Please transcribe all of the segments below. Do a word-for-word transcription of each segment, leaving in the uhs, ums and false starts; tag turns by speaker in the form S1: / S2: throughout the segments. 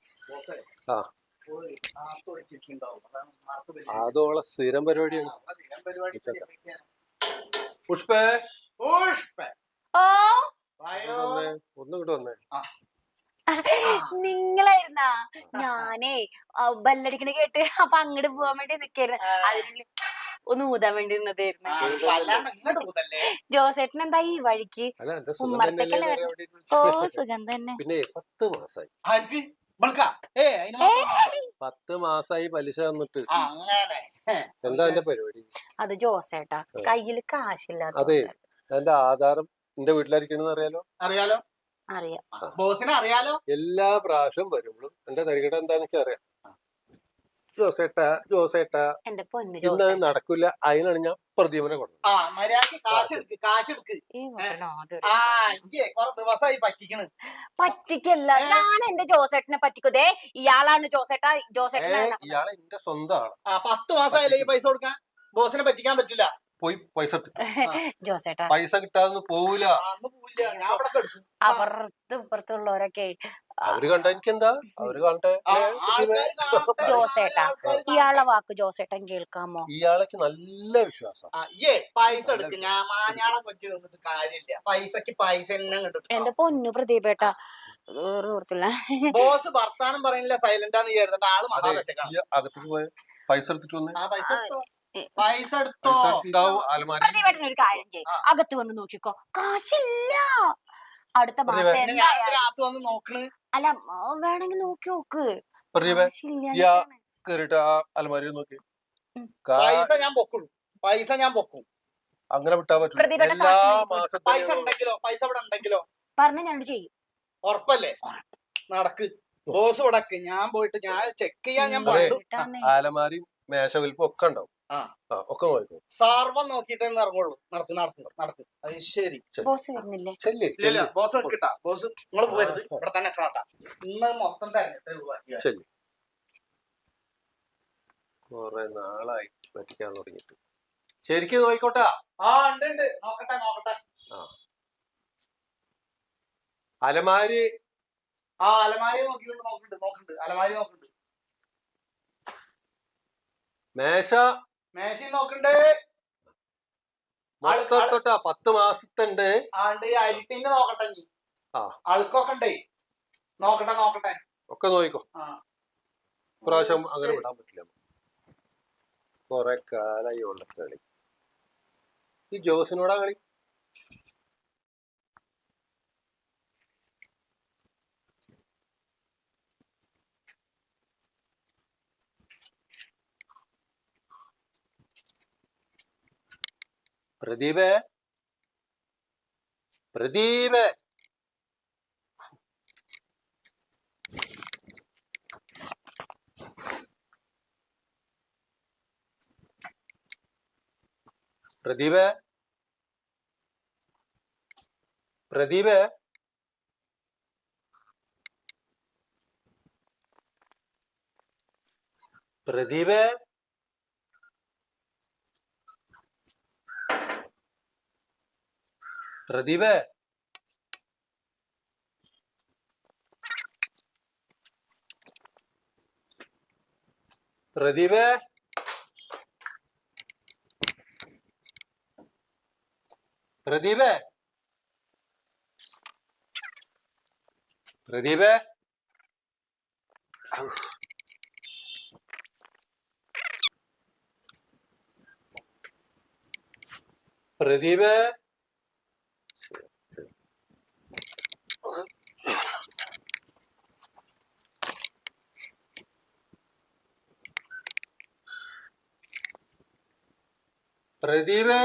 S1: ആ അതോളെ സ്ഥിരം പരിപാടിയാണ്. പുഷ്പേ ഒന്നും ഇങ്ങോട്ട് വന്നേ.
S2: നിങ്ങളായിരുന്നാ? ഞാനേ ബല്ലടിക്കണ കേട്ട് അപ്പൊ അങ്ങോട്ട് പോവാൻ വേണ്ടി നിക്കായിരുന്നു. അതിനുള്ളിൽ ഒന്ന് ഊതാൻ വേണ്ടി നിന്നതായിരുന്നു. ജോസേട്ടൻ എന്താ ഈ വഴിക്ക്? ഉമ്മറത്തേക്കല്ലേ വരണം. ഓ സുഖം തന്നെ.
S1: പിന്നെ പത്ത് മാസായി പത്ത് മാസായി പലിശ വന്നിട്ട്. എന്താ എന്റെ പരിപാടി?
S2: അത് ജോസേട്ടാ കയ്യില് കാശില്ലാത്ത.
S1: അതെ, എന്റെ ആധാരം എന്റെ വീട്ടിലായിരിക്കണെന്ന് അറിയാലോ.
S3: അറിയാലോ
S2: അറിയാം.
S3: ബോസിനെ അറിയാലോ.
S1: എല്ലാ പ്രാവശ്യം വരുമ്പോഴും എന്റെ തരികട എന്താണെന്ന് അറിയാം. ജോസേട്ടാ ജോസേട്ടാ
S2: എന്റെ പൊന്നു
S1: ഇന്ന് നടക്കില്ല. അതിനാണ് ഞാൻ പ്രദീപനെ കൊടുത്തത്.
S2: പറ്റിക്കല്ല, ഞാൻ എന്റെ ജോസേട്ടനെ പറ്റിക്കുതേ. ഇയാളാണ് ജോസേട്ടാ. ജോസേട്ടൻ
S1: ഇയാളെ എന്റെ സ്വന്തമാണ്.
S3: പത്ത് മാസമായില്ലേ ഈ പൈസ കൊടുക്കാൻ? ബോസിനെ പറ്റിക്കാൻ പറ്റില്ല.
S1: പോയി പൈസ
S2: ജോസേട്ടാ
S1: പൈസ കിട്ടാതെ പോവൂല.
S2: അപ്പുറത്തും ഇപ്പുറത്തുള്ളവരൊക്കെ
S1: അവര് കണ്ട എനിക്ക് എന്താ, അവര് കാണട്ടെ.
S2: ജോസേട്ടാ ഇയാളെ വാക്ക് ജോസേട്ടൻ കേൾക്കാമോ?
S1: ഇയാളേക്ക് നല്ല വിശ്വാസം.
S3: പൈസ എടുക്ക്, ഞാൻ മാഞ്ഞാളെ കൊച്ചു തന്നിട്ട് കാര്യമില്ല. പൈസക്ക് പൈസ തന്നെ കിട്ടും.
S2: എന്റെ പൊന്നു പ്രദീപേട്ടാ ഓർത്തില്ല.
S3: ബോസ് വർത്താനം പറയുന്നില്ല, സൈലന്റാന്ന് വിചാരിച്ചിട്ട് ആള് മഹാവശക്കാണ്.
S1: അകത്തേക്ക് പോയ പൈസ എടുത്തിട്ട് വന്നേ.
S3: പൈസ എടുത്തോ, പൈസ എടുത്തോ.
S2: പ്രദീപേട്ടൻ ഒരു കാര്യം ചെയ്യും, അകത്ത് വന്ന് നോക്കിക്കോ, കാശില്ല. അടുത്ത മാസം
S3: വന്ന് നോക്കണ്.
S2: അല്ല വേണമെങ്കിൽ നോക്കി നോക്ക്.
S1: അലമാരി നോക്കി.
S3: പൈസ ഞാൻ പൊക്കും, പൈസ ഞാൻ പൊക്കും.
S1: അങ്ങനെ വിട്ടാ പറ്റില്ല. എല്ലാ മാസം
S3: പൈസ ഉണ്ടെങ്കിലോ, പൈസ ഇവിടെ ഉണ്ടെങ്കിലോ
S2: പറഞ്ഞ ഞാൻ ചെയ്യും.
S3: ഉറപ്പല്ലേ? നടക്ക് ബോസ് ഉടക്ക്. ഞാൻ പോയിട്ട് ഞാൻ ചെക്ക് ചെയ്യാൻ ഞാൻ
S1: അലമാരി മേശ വലിപ്പം ഒക്കെ ഉണ്ടാവും. ഒക്കെ നോക്കും.
S3: സാർവം നോക്കിട്ടേ ഇറങ്ങുള്ളൂ. നടക്ക് നടക്ക് നടക്ക്. അത് ശരി.
S2: ബോസ് വരുന്നില്ലേ?
S3: ബോസ് കിട്ടാ. ബോസ് നിങ്ങൾ പോരുത്, ഇവിടെ തന്നെ കാട്ടാ. ഇന്ന് മൊത്തം തന്നെ
S1: കൊറേ നാളായി പറ്റിക്കാൻ തുടങ്ങിട്ട്. ശരിക്കും നോയിക്കോട്ടാ.
S3: ആ ഉണ്ട് ഉണ്ട്, നോക്കട്ടെ നോക്കട്ടെ.
S1: അലമാരി
S3: ആ അലമാരി നോക്കിണ്ട് നോക്കുന്നുണ്ട് നോക്കുന്നുണ്ട് അലമാരി നോക്കുന്നുണ്ട്.
S1: മേശ
S3: മേശ നോക്കണ്ട്.
S1: തൊട്ടാ പത്ത് മാസത്തുണ്ട്.
S3: ആണ്ട് അരിട്ടിന് നോക്കട്ടെ. നീ അഴുക്കൊക്കെ ഉണ്ടേ, നോക്കട്ടെ നോക്കട്ടെ.
S1: ഒക്കെ നോക്കിക്കോ. പ്രാവശ്യം അങ്ങനെ വിടാൻ പറ്റില്ല. കൊറേ കാലായി ഉള്ള കളി. ഈ ജോസിനോടാ കളി. പ്രദീപേ പ്രദീപേ പ്രദീപേ പ്രദീപേ പ്രദീപേ പ്രദീപേ പ്രദീപേ പ്രദീപേ പ്രദീപേ പ്രദീപേ പ്രദീപേ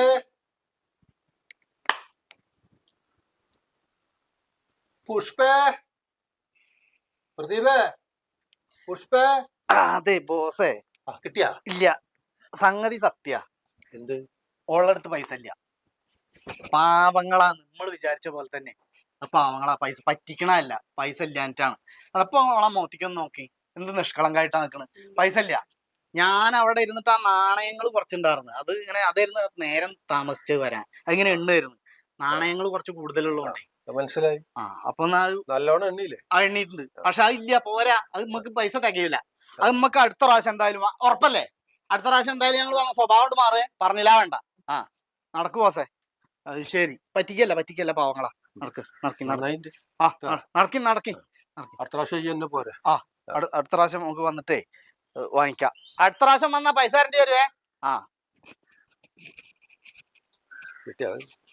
S1: പുഷ്പേ പ്രദീപേ പുഷ്പേ.
S3: അതെ ബോസേ.
S1: കിട്ടിയാ?
S3: ഇല്ല, സംഗതി സത്യ.
S1: എന്ത്?
S3: ഓളടുത്ത് പൈസ ഇല്ല. പാവങ്ങളാ, നമ്മൾ വിചാരിച്ച പോലെ തന്നെ പാവങ്ങളാ. പൈസ പറ്റിക്കണല്ല, പൈസ ഇല്ലാഞ്ഞിട്ടാണ്. അപ്പൊ ഓളെ മോത്തിക്കൊന്ന് നോക്കി, എന്ത് നിഷ്കളങ്കായിട്ടാ നിക്കണ്. പൈസ ഇല്ല. ഞാൻ അവിടെ ഇരുന്നിട്ട് ആ നാണയങ്ങൾ കുറച്ചുണ്ടായിരുന്നു. അത് ഇങ്ങനെ അതായിരുന്നു നേരം താമസിച്ച് വരാൻ. അതിങ്ങനെ എണ്ണായിരുന്നു. നാണയങ്ങൾ കുറച്ച് കൂടുതലുള്ളതുകൊണ്ടേ
S1: അത് മനസ്സിലായി.
S3: ആ അപ്പൊ എന്നാ അത്
S1: നല്ലോണം എണ്ണിയില്ലേ?
S3: ആ എണ്ണീട്ടുണ്ട്. പക്ഷെ അതില്ല, പോരാ. അത് നമുക്ക് പൈസ തികയില്ല. അത് നമുക്ക് അടുത്ത പ്രാവശ്യം എന്തായാലും വാ- ഉറപ്പല്ലേ? അടുത്ത പ്രാവശ്യം എന്തായാലും ഞങ്ങൾ സ്വഭാവം കൊണ്ട് മാറേ, പറഞ്ഞില്ല വേണ്ട. ആ നടക്ക് ബോസേ. അത് ശരി, പറ്റിക്കല്ല പറ്റിക്കല്ല പാവങ്ങളാ. നടക്ക് നടക്കി നടക്കി
S1: നന്നായിട്ട്
S3: ആ ന- നടക്കി നടക്കി
S1: അടുത്ത പ്രാവശ്യം ഈ എന്നെ പോരെ.
S3: ആ അടു- അടുത്ത പ്രാവശ്യം നമുക്ക് വന്നിട്ടേ ഏ, വാങ്ങിക്കാം. അടുത്ത പ്രാവശ്യം വന്നാ പൈസ തരേണ്ടി വരുവേ. ആ
S1: കിട്ടിയാ